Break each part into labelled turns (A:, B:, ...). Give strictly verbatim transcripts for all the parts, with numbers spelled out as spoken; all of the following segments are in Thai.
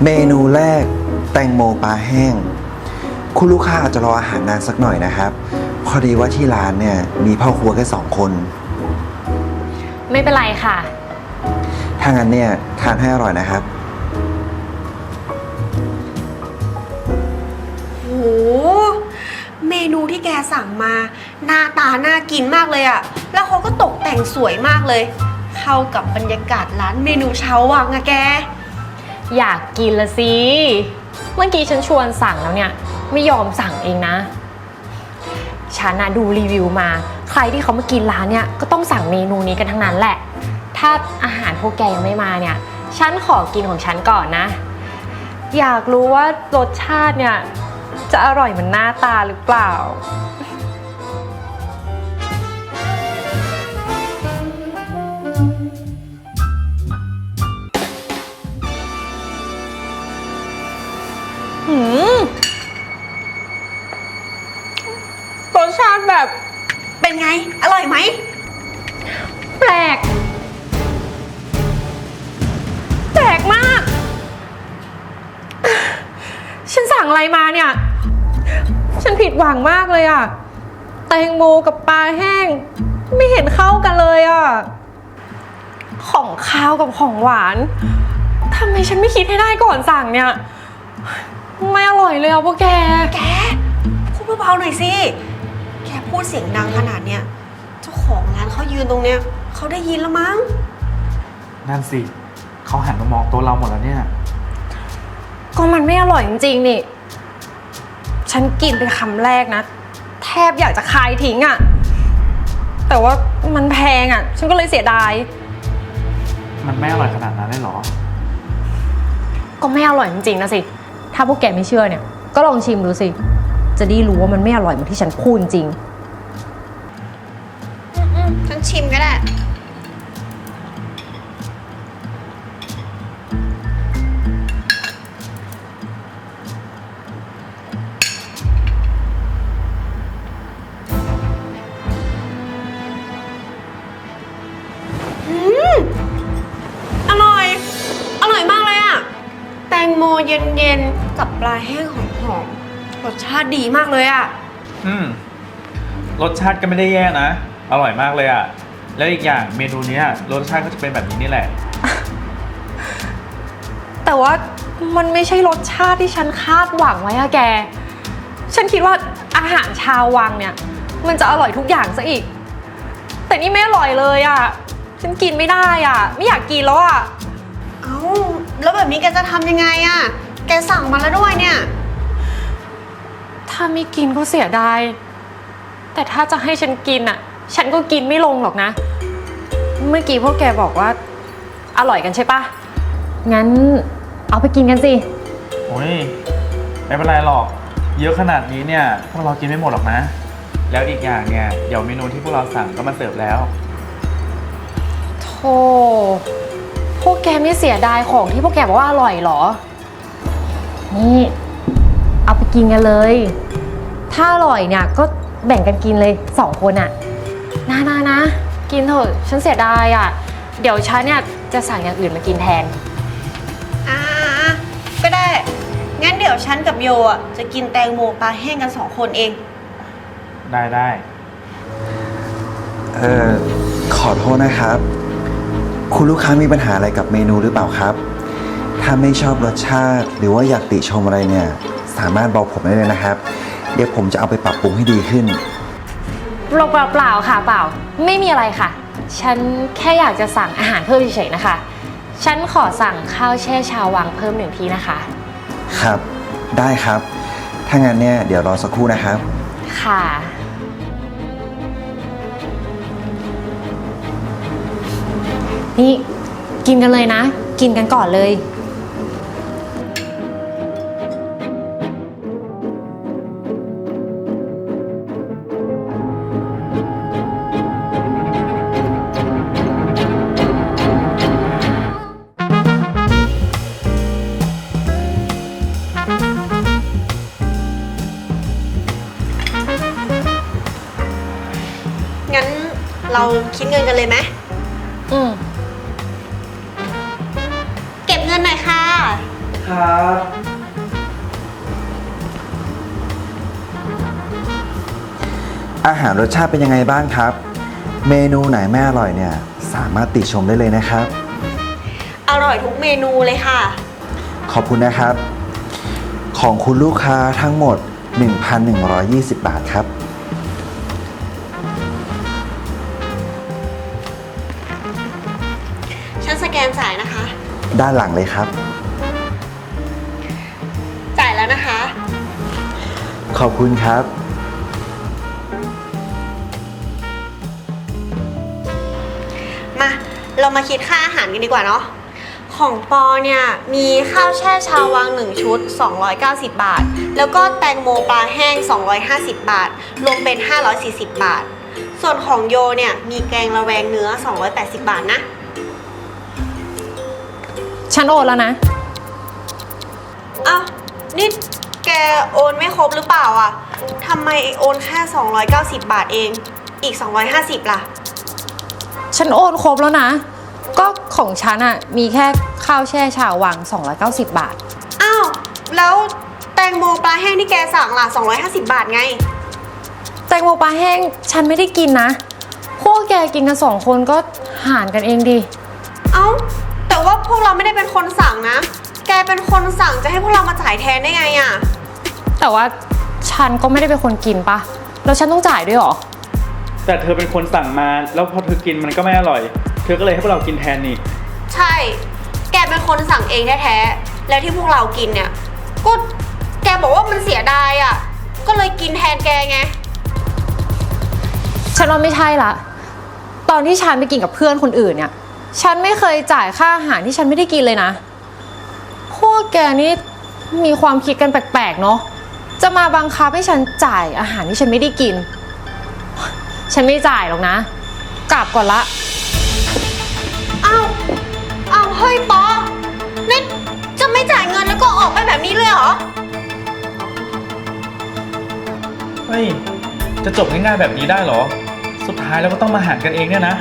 A: เมนูแรกแตงโมปลาแห้งคุณลูกค้าอาจจะรออาหารนานสักหน่อยนะครับพอดีว่าที่ร้านเนี่ยมีพ่อครัวแค่สองคน
B: ไม่เป็นไรค่ะ
A: ถ้างั้นเนี่ยทานให้อร่อยนะครับ
C: โหเมนูที่แกสั่งมาหน้าตาน่ากินมากเลยอะแล้วเขาก็ตกแต่งสวยมากเลยเข้ากับบรรยากาศร้านเมนูเช้าวังอะแก
B: อยากกินละสิเมื่อกี้ฉันชวนสั่งแล้วเนี่ยไม่ยอมสั่งเองนะฉันนะดูรีวิวมาใครที่เขามากินร้านเนี่ยก็ต้องสั่งเมนูนี้กันทั้งนั้นแหละถ้าอาหารพวกแกยังไม่มาเนี่ยฉันขอกินของฉันก่อนนะอยากรู้ว่ารสชาติเนี่ยจะอร่อยเหมือนหน้าตาหรือเปล่าหืมรสชาติแบบ
C: เป็นไงอร่อยไหม
B: แปลกแปลกมากฉันสั่งอะไรมาเนี่ยฉันผิดหวังมากเลยอะแตงโมกับปลาแห้งไม่เห็นเข้ากันเลยอะของข้าวกับของหวานทำไมฉันไม่คิดให้ได้ก่อนสั่งเนี่ยไม่อร่อยเลยอ่ะพวกแก
C: แกพูดเบาๆหน่อยสิแกพูดเสียงดังขนาดเนี้ยเจ้าของร้านเขายืนตรงเนี้ยเขาได้ยินแล้วมั้ง
D: นั่นสิเขาหันมามองโต๊ะเราหมดแล้วเนี่ย
B: ก็มันไม่อร่อยจริงๆนี่ฉันกินเป็นคำแรกนะแทบอยากจะคายทิ้งอ่ะแต่ว่ามันแพงอ่ะฉันก็เลยเสียดาย
D: มันไม่อร่อยขนาดนั้นเลยเหรอ
B: ก็ไม่อร่อยจริงๆนะสิถ้าพวกแกไม่เชื่อเนี่ยก็ลองชิมดูสิจะได้รู้ว่ามันไม่อร่อยเหมือนที่ฉันพูดจริง
C: ฉันชิมก็ได้อร่อยอร่อยมากเลยอะแตงโมเย็นๆกับปลาแห้งหอมๆรสชาติดีมากเลยอะ
D: อืมรสชาติก็ไม่ได้แย่นะอร่อยมากเลยอะแล้วอีกอย่างเมนูนี้รสชาติก็จะเป็นแบบนี้นี่แหละ
B: แต่ว่ามันไม่ใช่รสชาติที่ฉันคาดหวังไว้อะแกฉันคิดว่าอาหารชาววังเนี่ยมันจะอร่อยทุกอย่างซะอีกแต่นี่ไม่อร่อยเลยอะฉันกินไม่ได้อะไม่อยากกินแล้วอะ
C: เอ้าแล้วแบบนี้แกจะทำยังไงอะแกสั่งมาแล้วด้วยเนี่ย
B: ถ้าไม่กินก็เสียดายแต่ถ้าจะให้ฉันกินอะฉันก็กินไม่ลงหรอกนะเมื่อกี้พวกแกบอกว่าอร่อยกันใช่ปะงั้นเอาไปกินกันสิ
D: โอ้ยไม่เป็นไรหรอกเยอะขนาดนี้เนี่ยพวกเรากินไม่หมดหรอกนะแล้วอีกอย่างเนี่ยเดี๋ยวเมนูที่พวกเราสั่งก็มาเสิร์ฟแล้ว
B: โธ่พวกแกไม่เสียดายของที่พวกแกบอกว่าอร่อยหรอนี่เอาไปกินกันเลยถ้าอร่อยเนี่ยก็แบ่งกันกินเลยสองคนอะนะนะนะกินเถอะฉันเสียดายอะเดี๋ยวฉันเนี่ยจะสั่งอย่างอื่นมากินแทน
C: อ่าก็ได้งั้นเดี๋ยวฉันกับโยอ่ะจะกินแตงโมปลาแห้งกันสองคนเอง
D: ได้ได้
A: เอ่อขอโทษนะครับคุณลูกค้ามีปัญหาอะไรกับเมนูหรือเปล่าครับถ้าไม่ชอบรสชาติหรือว่าอยากติชมอะไรเนี่ยสามารถบอกผมได้เลยนะครับเดี๋ยวผมจะเอาไปปรับปรุงให้ดีขึ้น
B: เปล่าเปล่าค่ะเปล่าไม่มีอะไรค่ะฉันแค่อยากจะสั่งอาหารเพิ่มเฉยๆนะคะฉันขอสั่งข้าวแช่ชาววังเพิ่มหนึ่งที่นะคะ
A: ครับได้ครับถ้างั้นเนี่ยเดี๋ยวรอสักครู่นะครับ
B: ค่ะนี่กินกันเลยนะกินกันก่อนเลย
C: งั้นเราคิดเงินกันเลยไหม
B: อืม
C: เก็บเงินหน่อยค่ะ
D: ฮครับ
A: อาหารรสชาติเป็นยังไงบ้างครับ เมนูไหนไม่อร่อยเนี่ยสามารถติชมได้เลยนะครับ
C: อร่อยทุกเมนูเลยค่ะ
A: ขอบคุณนะครับ ของคุณลูกค้าทั้งหมด หนึ่งพันหนึ่งร้อยยี่สิบ บาทครับ
C: ฉันสแกนจ่ายนะคะ
A: ด้านหลังเลยครับ
C: จ่ายแล้วนะคะ
A: ขอบคุณครับ
C: มา เรามาคิดค่าอาหารกันดีกว่าเนาะ ของปอเนี่ยมีข้าวแช่ชาววังหนึ่งชุด สองร้อยเก้าสิบ บาท แล้วก็แตงโมปลาแห้ง สองร้อยห้าสิบ บาท รวมเป็น ห้าร้อยสี่สิบ บาท ส่วนของโยเนี่ยมีแกงระแวงเนื้อ สองร้อยแปดสิบ บาทนะ
B: ฉันโอนแล้วนะ
C: อ้าว นี่แกโอนไม่ครบหรือเปล่าอ่ะทำไมโอนแค่ สองร้อยเก้าสิบ บาทเอง อีก สองร้อยห้าสิบ ล่ะ
B: ฉันโอนครบแล้วนะ ก็ของฉันอะมีแค่ข้าวแช่ชาววังสองร้อยเก้าสิบ บาท
C: อ้าว แล้วแตงโมปลาแห้งที่แกสั่งล่ะ สองร้อยห้าสิบ บาทไง
B: แตงโมปลาแห้งฉันไม่ได้กินนะ พวกแกกินกันสองคนก็หารกันเองดิ
C: เอ้า แต่ว่าพวกเราไม่ได้เป็นคนสั่งนะ แกเป็นคนสั่งจะให้พวกเรามาจ่ายแทนได้ไงอ่ะ
B: แต่ว่าฉันก็ไม่ได้เป็นคนกินปะแล้วฉันต้องจ่ายด้วยเหรอ
D: แต่เธอเป็นคนสั่งมาแล้วพอเธอกินมันก็ไม่อร่อย เธอก็เลยให้พวกเรากินแทนนี่
C: ใช่ แกเป็นคนสั่งเองแท้ๆ แล้วที่พวกเรากินเนี่ย ก็แกบอกว่ามันเสียดายอ่ะ ก็เลยกินแทนแกไง
B: ฉันว่าไม่ใช่ละ ตอนที่ฉันไปกินกับเพื่อนคนอื่นเนี่ย ฉันไม่เคยจ่ายค่าอาหารที่ฉันไม่ได้กินเลยนะ พวกแกนี่มีความคิดกันแปลกๆเนาะ จะมาบังคับให้ฉันจ่ายอาหารที่ฉันไม่ได้กิน ฉันไม่จ่ายหรอกนะ กลับก่อนละ
C: อ้าวอ้าวเฮ้ยปอนี่จะไม่จ่ายเงินแล้วก็ออกไปแบบนี้เลยเหรอ
D: เฮ้ย จะจบง่ายๆแบบนี้ได้เหรอ สุดท้ายเราก็ต้องมาหารกันเองเนี่ยนะ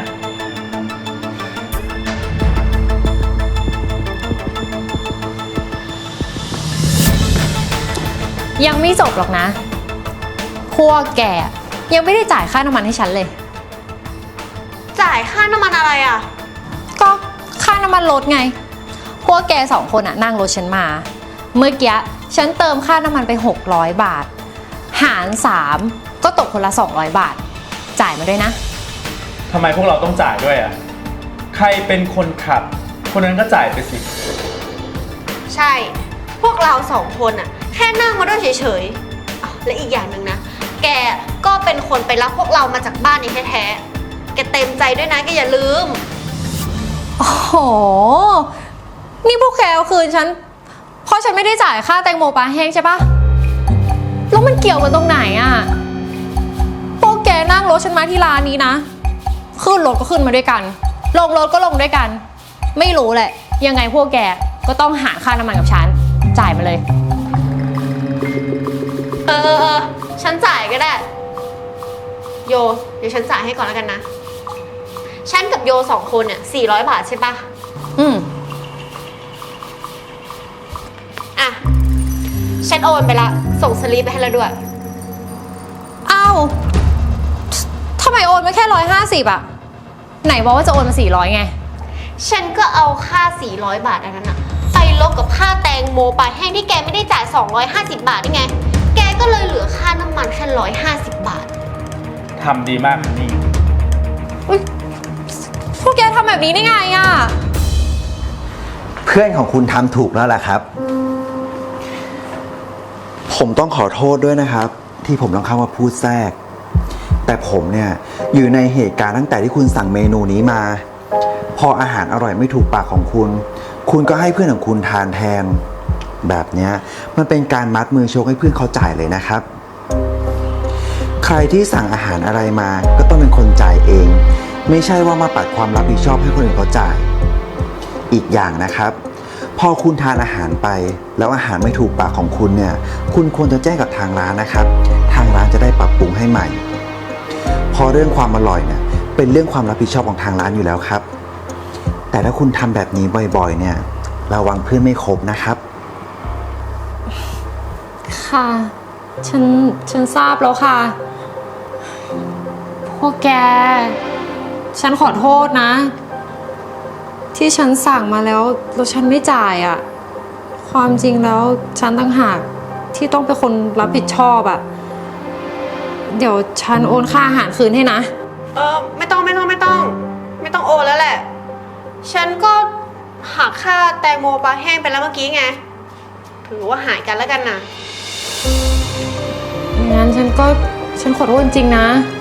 B: ยังไม่จบหรอกนะ พวกแกยังไม่ได้จ่ายค่าน้ำมันให้ฉันเลย
C: จ่ายค่าน้ำมันอะไรอ่ะ
B: ก็ค่าน้ำมันรถไง พวกแกสองคนอะนั่งรถฉันมา เมื่อกี้ฉันเติมค่าน้ำมันไปหกร้อยบาท หารสามก็ตกคนละสองร้อยบาท จ่ายมาด้วยนะ
D: ทำไมพวกเราต้องจ่ายด้วยอ่ะ ใครเป็นคนขับ คนนั้นก็จ่ายไปสิ
C: ใช่ พวกเราสองคนอ่ะ แค่นั่งมาด้วยเฉยๆอ้าวและอีกอย่างหนึ่งนะ แกก็เป็นคนไปรับพวกเรามาจากบ้านนี้แท้ๆ แกเต็มใจด้วยนะแกอย่าลืม
B: โอ้โห นี่พวกแกเอาคืนฉัน เพราะฉันไม่ได้จ่ายค่าแตงโมปลาแห้งใช่ปะแล้วมันเกี่ยวกันตรงไหนอะพวกแกนั่งรถฉันมาที่ร้านนี้นะ ขึ้นรถก็ขึ้นมาด้วยกัน ลงรถก็ลงด้วยกัน ไม่รู้แหละ ยังไงพวกแกก็ต้องหาค่าน้ำมันกับฉัน จ่ายมาเลย
C: เออเออเออฉันจ่ายก็ได้ โย เดี๋ยวฉันจ่ายให้ก่อนแล้วกันนะ ฉันกับโยสองคนเนี่ยสี่ร้อยบาทใช่ปะ
B: อืม
C: อ่ะ ฉันโอนไปละ ส่งสลิปไปให้แล้วด้วย
B: อ้าวทำไมโอนมาแค่ร้อยห้าสิบอะไหนบอกว่าจะโอนมาสี่ร้อยไง
C: ฉันก็เอาค่าสี่ร้อยบาทอันนั้นอะไปลบกับค่าแตงโมปลาแห้งที่แกไม่ได้จ่ายสองร้อยห้าสิบบาทนี่ไง แกก็เลยเหลือค่าน้ำมันแค่หนึ่งร้อยห้าสิบบาท
D: ทำดีมากนี่
B: อุ๊ยพวกแกทำแบบนี้ได้ไงอะ
A: เพื่อนของคุณทำถูกแล้วล่ะครับ ผมต้องขอโทษด้วยนะครับ ที่ผมต้องเข้ามาพูดแทรก แต่ผมเนี่ยอยู่ในเหตุการณ์ตั้งแต่ที่คุณสั่งเมนูนี้มา พออาหารอร่อยไม่ถูกปากของคุณ คุณก็ให้เพื่อนของคุณทานแทน แบบเนี้ยมันเป็นการมัดมือชกให้เพื่อนเขาจ่ายเลยนะครับ ใครที่สั่งอาหารอะไรมาก็ต้องเป็นคนจ่ายเอง ไม่ใช่ว่ามาปัดความรับผิดชอบให้คนอื่นเขาจ่าย อีกอย่างนะครับ พอคุณทานอาหารไปแล้วอาหารไม่ถูกปากของคุณเนี่ยคุณควรจะแจ้งกับทางร้านนะครับ ทางร้านจะได้ปรับปรุงให้ใหม่ พอเรื่องความอร่อยเนี่ยเป็นเรื่องความรับผิดชอบของทางร้านอยู่แล้วครับ แต่ถ้าคุณทำแบบนี้บ่อยๆเนี่ยระวังเพื่อนไม่ครบนะครับ
B: ค่ะ ฉัน ฉันทราบแล้วค่ะ พวกแก ฉันขอโทษนะ ที่ฉันสั่งมาแล้วแล้วฉันไม่จ่ายอะ่ะ ความจริงแล้วฉันต่างหากที่ต้องเป็นคนรับผิดชอบอะ่ะ เดี๋ยวฉันโอนค่าอาหารคืนให้นะ
C: เออไม่ต้องไม่ต้องไม่ต้อง ไม่ต้องโอนแล้วแหละ ฉันก็หักค่าแตงโมปลาแห้งไปแล้วเมื่อกี้ไง ถือว่าหายกันแล้วกันนะ
B: งั้นฉันก็ฉันขอโทษจริงๆนะ